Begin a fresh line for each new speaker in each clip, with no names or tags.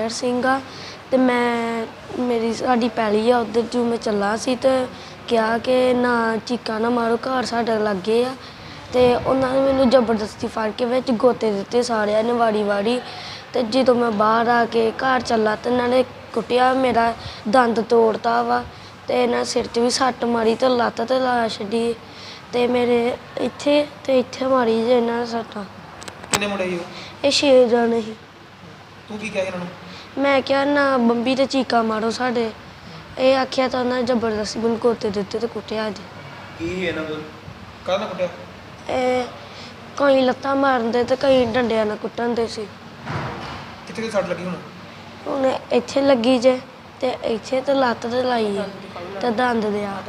ਗੁਰਮੇਹਰ ਸਿੰਘ ਆ ਤੇ ਮੇਰੀ ਸਾਡੀ ਪੈਲੀ ਆ ਉਧਰ ਜੋ ਮੈਂ ਚੱਲਾ ਸੀ ਤੇ ਕਿਹਾ ਕਿ ਨਾ ਚੀਕਾਂ ਨਾ ਮਾਰੋ, ਘਰ ਸਾਡੇ ਲਾਗੇ ਆ। ਤੇ ਉਹਨਾਂ ਨੇ ਮੈਨੂੰ ਜ਼ਬਰਦਸਤੀ ਫੜ ਕੇ ਵਿੱਚ ਗੋਤੇ ਦਿੱਤੇ ਸਾਰਿਆਂ ਨੇ ਵਾਰੀ ਤੇ ਜਦੋਂ ਮੈਂ ਬਾਹਰ ਆ ਕੇ ਘਰ ਚੱਲਾ ਤੇ ਇਹਨਾਂ ਨੇ ਕੁੱਟਿਆ, ਮੇਰਾ ਦੰਦ ਤੋੜਤਾ ਵਾ ਤੇ ਇਹਨਾਂ ਸਿਰ 'ਚ ਵੀ ਸੱਟ ਮਾਰੀ ਤੇ ਲੱਤ ਤੇ ਲਾ ਛੱਡੀ ਤੇ ਮੇਰੇ ਇੱਥੇ ਮਾਰੀ ਜੇ ਇਹਨਾਂ ਨੇ ਸੱਟਾਂ।
ਕਿੰਨੇ ਮੁੰਡੇ ਸੀ
ਇਹ 6 ਜਣੇ ਸੀ।
ਤੂੰ ਕੀ ਕਿਹਾ ਇਹਨਾਂ ਨੂੰ?
ਮੈਂ ਕਿਹਾ ਨਾ ਬੰਬੀ ਤੇ ਚੀਕਾਂ ਮਾਰੋ ਸਾਡੇ। ਇਹ ਆਖਿਆ ਤਾਂ ਉਹਨਾਂ ਜ਼ਬਰਦਸਤੀ ਮੈਨੂੰ ਗੋਤੇ ਦਿੱਤੇ ਤੇ ਕੁੱਟਿਆ ਅੱਜ।
ਕੀ ਇਹਨਾਂ ਕੋਲ ਕਾਹਦਾ ਕੁੱਟਿਆ?
ਇਹ ਕਈ ਲੱਤਾਂ ਮਾਰਦੇ ਤੇ ਕਈ ਡੰਡਿਆਂ ਨਾਲ ਕੁੱਟਣ ਦੇ ਸੀ।
ਕਿੱਥੇ ਸੱਟ ਲੱਗੀ ਹੁਣ?
ਹੁਣ ਇੱਥੇ ਲੱਗੀ ਜੇ ਤੇ ਇੱਥੇ ਤੇ ਲੱਤ ਤੇ ਲਾਈ ਆ ਤੇ ਦੰਦ ਦੇ ਆ।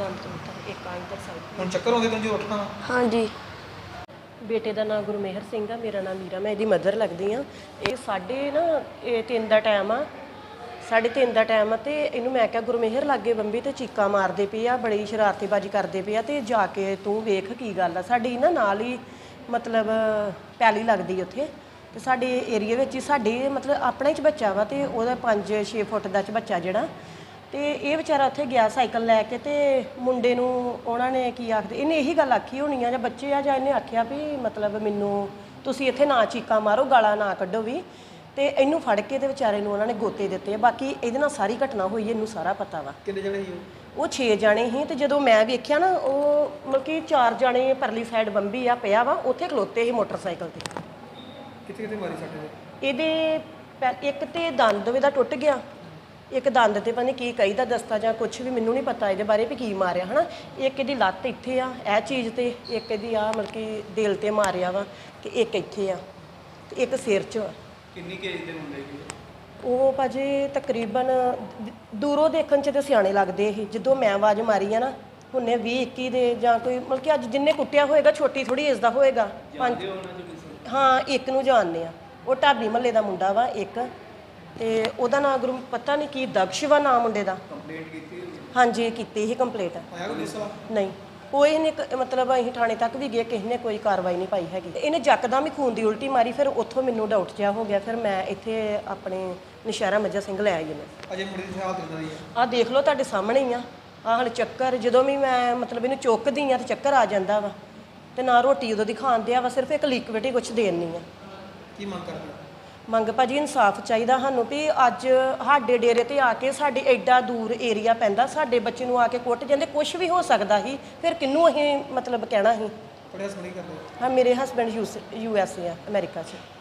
ਹੁਣ ਚੱਕਰ ਆਉਂਦੇ ਤੈਨੂੰ ਜੋ ਉੱਠਣਾ?
ਹਾਂਜੀ।
ਬੇਟੇ ਦਾ ਨਾਮ ਗੁਰਮੇਹਰ ਸਿੰਘ ਆ, ਮੇਰਾ ਨਾਮ ਮੀਰਾ, ਮੈਂ ਇਹਦੀ ਮਦਰ ਲੱਗਦੀ ਆ। ਇਹ 3:30 ਦਾ ਟਾਈਮ ਆ, 3:30 ਦਾ ਟਾਈਮ ਆ ਤੇ ਇਹਨੂੰ ਮੈਂ ਕਿਹਾ ਗੁਰਮੇਹਰ ਲਾਗੇ ਬੰਬੀ ਤੇ ਚੀਕਾਂ ਮਾਰਦੇ ਪਏ ਆ, ਬੜੀ ਸ਼ਰਾਰਤੀਬਾਜ਼ੀ ਕਰਦੇ ਪਏ ਆ ਤੇ ਜਾ ਕੇ ਤੂੰ ਵੇਖ ਕੀ ਗੱਲ ਆ। ਸਾਡੀ ਨਾ ਨਾਲ ਹੀ ਮਤਲਬ ਪੈਲੀ ਲੱਗਦੀ ਉੱਥੇ ਤੇ ਸਾਡੇ ਏਰੀਏ ਵਿੱਚ ਹੀ ਸਾਡੇ ਮਤਲਬ ਆਪਣਾ ਹੀ ਬੱਚਾ ਵਾ ਤੇ ਉਹਦਾ 5-6 ਫੁੱਟ ਦਾ ਬੱਚਾ ਜਿਹੜਾ ਤੇ ਇਹ ਵਿਚਾਰਾ ਉੱਥੇ ਗਿਆ ਸਾਈਕਲ ਲੈ ਕੇ ਤੇ ਮੁੰਡੇ ਨੂੰ ਉਹਨਾਂ ਨੇ ਕੀ ਆਖਦੇ, ਇਹਨੇ ਇਹੀ ਗੱਲ ਆਖੀ ਹੋਣੀ ਆ ਜਾਂ ਬੱਚੇ ਆ ਜਾਂ ਇਹਨੇ ਆਖਿਆ ਵੀ ਮਤਲਬ ਮੈਨੂੰ ਤੁਸੀਂ ਇੱਥੇ ਨਾ ਚੀਕਾਂ ਮਾਰੋ, ਗਾਲਾਂ ਨਾ ਕੱਢੋ ਵੀ, ਤੇ ਇਹਨੂੰ ਫੜ ਕੇ ਤੇ ਵਿਚਾਰੇ ਨੂੰ ਉਹਨਾਂ ਨੇ ਗੋਤੇ ਦਿੱਤੇ। ਬਾਕੀ ਇਹਦੇ ਨਾਲ ਸਾਰੀ ਘਟਨਾ ਹੋਈ, ਇਹਨੂੰ ਸਾਰਾ ਪਤਾ ਵਾ।
ਕਿੰਨੇ ਜਣੇ ਸੀ
ਉਹ 6 ਜਾਣੇ ਸੀ ਤੇ ਜਦੋਂ ਮੈਂ ਵੇਖਿਆ ਨਾ ਉਹ ਮਤਲਬ ਕਿ 4 ਜਾਣੇ ਪਰਲੀ ਸਾਈਡ ਬੰਬੀ ਆ ਪਿਆ ਵਾ, ਉੱਥੇ ਖਲੋਤੇ ਸੀ ਮੋਟਰਸਾਈਕਲ ਤੇ।
ਕਿੱਥੇ ਮਾਰੀ ਸੱਟ?
ਇਹਦੇ ਇੱਕ ਤੇ ਦੰਦ ਇਹਦਾ ਟੁੱਟ ਗਿਆ, ਇੱਕ ਦੰਦ ਤੇ ਪਤਾ ਨਹੀਂ ਕੀ ਕਹੀਦਾ ਦਸਤਾ ਜਾਂ ਕੁਝ ਵੀ ਮੈਨੂੰ ਨਹੀਂ ਪਤਾ ਇਹਦੇ ਬਾਰੇ ਵੀ ਕੀ ਮਾਰਿਆ ਹਨਾ। ਇੱਕ ਇਹਦੀ ਲੱਤ ਇੱਥੇ ਆ ਇਹ ਚੀਜ਼ ਤੇ, ਇੱਕ ਇਹਦੀ ਆ ਮਤਲਬ ਕਿ ਦਿਲ ਤੇ ਮਾਰਿਆ ਵਾ ਤੇ ਇੱਕ ਇੱਥੇ ਆ ਤੇ ਇੱਕ ਸਿਰ 'ਚ।
ਕਿੰਨੀ ਕੇਜ ਦੇ ਮੁੰਡੇ ਸੀ
ਉਹ ਭਾਜੀ ਤਕਰੀਬਨ ਦੂਰੋਂ ਦੇਖਣ 'ਚ ਤੇ ਸਿਆਣੇ ਲੱਗਦੇ ਇਹ। ਜਦੋਂ ਮੈਂ ਆਵਾਜ਼ ਮਾਰੀ ਆ ਨਾ ਹੁਣੇ 20-21 ਦੇ ਜਾਂ ਕੋਈ ਮਤਲਬ ਕਿ ਅੱਜ ਜਿੰਨੇ ਕੁੱਟਿਆ ਹੋਏਗਾ ਛੋਟੀ ਥੋੜੀ ਏਜ ਦਾ ਹੋਏਗਾ। ਹਾਂ, ਇੱਕ ਨੂੰ ਜਾਣਦੇ ਆ, ਉਹ ਢਾਬੀ ਮਹੱਲੇ ਦਾ ਮੁੰਡਾ ਵਾ ਇੱਕ, ਤੇ ਉਹਦਾ ਨਾਮ ਗੁਰੂ ਪਤਾ ਨਹੀਂ ਕੀ ਦਕਸ਼ ਵਾ ਨਾਮ ਮੁੰਡੇ ਦਾ।
ਕੰਪਲੇਂਟ ਕੀਤੀ? ਹਾਂਜੀ
ਕੀਤੀ ਸੀ ਕੰਪਲੇਂਟ।
ਆਇਆ ਕੋਈ ਗੁੱਸਾ?
ਨਹੀਂ, ਕੋਈ ਨੇ ਮਤਲਬ ਅਸੀਂ ਥਾਣੇ ਤੱਕ ਵੀ ਗਏ, ਕਿਸੇ ਨੇ ਕੋਈ ਕਾਰਵਾਈ ਨਹੀਂ ਪਾਈ ਹੈਗੀ। ਇਹਨੇ ਯਕਦਮ ਹੀ ਖੂਨ ਦੀ ਉਲਟੀ ਮਾਰੀ, ਫਿਰ ਉੱਥੋਂ ਮੈਨੂੰ ਡਾਊਟ ਜਿਹਾ ਹੋ ਗਿਆ, ਫਿਰ ਮੈਂ ਇੱਥੇ ਆਪਣੇ ਨਸ਼ਹਿਰਾ ਮੱਝਾ ਸਿੰਘ ਲੈ ਆਈ ਮੈਂ।
ਅਜੇ ਮੁੰਡੇ ਦੀ ਹਾਲਤ ਇਦਾਂ ਦੀ ਆ?
ਆਹ ਦੇਖ ਲਓ ਤੁਹਾਡੇ ਸਾਹਮਣੇ ਹੀ ਆ। ਆਹ ਹਲ ਚੱਕਰ ਜਦੋਂ ਵੀ ਮੈਂ ਮਤਲਬ ਇਹਨੂੰ ਚੁੱਕਦੀ ਆ ਤੇ ਚੱਕਰ ਆ ਜਾਂਦਾ ਵਾ ਤੇ ਨਾ ਰੋਟੀ ਉਦੋਂ ਦੀ ਖਾਂਦੇ ਆ ਵਾ, ਸਿਰਫ ਇੱਕ ਲਿਕਵਿਡ ਹੀ ਕੁਛ ਦੇਣ ਨਹੀਂ ਆ।
ਕੀ ਮੰਗ ਕਰਦੇ?
ਮੰਗ ਭਾਜੀ ਇਨਸਾਫ ਚਾਹੀਦਾ ਸਾਨੂੰ ਵੀ ਅੱਜ ਸਾਡੇ ਡੇਰੇ ਤੇ ਆ ਕੇ ਸਾਡੇ ਐਡਾ ਦੂਰ ਏਰੀਆ ਪੈਂਦਾ, ਸਾਡੇ ਬੱਚੇ ਨੂੰ ਆ ਕੇ ਕੁੱਟ ਜਾਂਦੇ। ਕੁਝ ਵੀ ਹੋ ਸਕਦਾ ਸੀ, ਫਿਰ ਕਿਹਨੂੰ ਅਸੀਂ ਮਤਲਬ ਕਹਿਣਾ ਸੀ।
ਤੁਹਾਡੇ ਹਸਬੰਡ ਕੀ ਕਰਦੇ?
ਹਾਂ, ਮੇਰੇ ਹਸਬੈਂਡ USA ਆ, ਅਮਰੀਕਾ 'ਚ।